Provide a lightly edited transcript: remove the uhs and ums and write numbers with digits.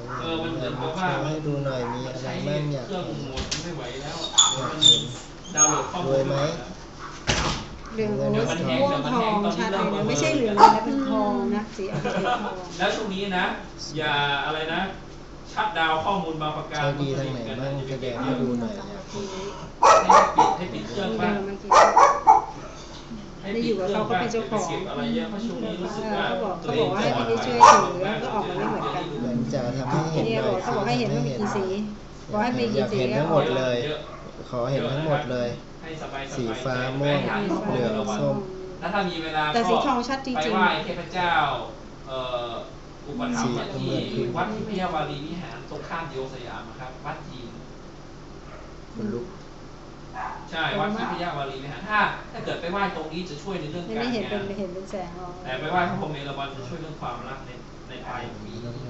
มันเหมือนกับว่าให้ดูหน่อยมีอะไรบ้างอยากเครื่องเห็นหมดไม่ไหวแล้วอยากเห็นดาวน์โหลดข้อมูรวลยไหมเหลืองม่วงทองชัดเลยนะไม่ใช่เหลืองนะเป็นทองนะสีออกเป็นทองแล้วช่วงนี้นะอย่าอะไรนะชัดดาวข้อมูลบางประการใช้ดีทางไหนบ้างแสดงให้ดูหน่อยอยากเห็นให้ปิดเครื่องบ้างได้อยู่กับเขาก็เป็นเจ้าของเก็บอะไรเยอะเพราะช่วงนี้รู้สึกว่าเขาบอกว่าให้ไม่ได้ช่วยถือแล้วก็ออกมาไม่เหมือนกันเหมือนจะทำให้เห็นเนี่ยหน่บออย กเขาบอกให้เห็นว่ามีกี่สีบอกให้มีอกี่ยากสีเห็นทั้งหมดเลย ขอเห็นทั้งหมดเลยให้สบายๆสีฟ้าม่วงเหลืองส้มแล้วถ้ามีเวลาแต่สีทองชัดจไปริงไหว้เทพเจ้าอุปถัมภ์ที่วัดทิพยวารีวิหารตรงข้ามดิโอสยามครับวัดจีนคนลุกใช่วัดทิพยวารีวิหารถ้าเกิดไปไหว้ตรงนี้จะช่วยในเรื่องๆการไม่เห็นงานเป็นแสงออกแต่ไปไหว้พระพรหมเอราวัณจะช่วยเรื่องความรักในปลายปีต้อง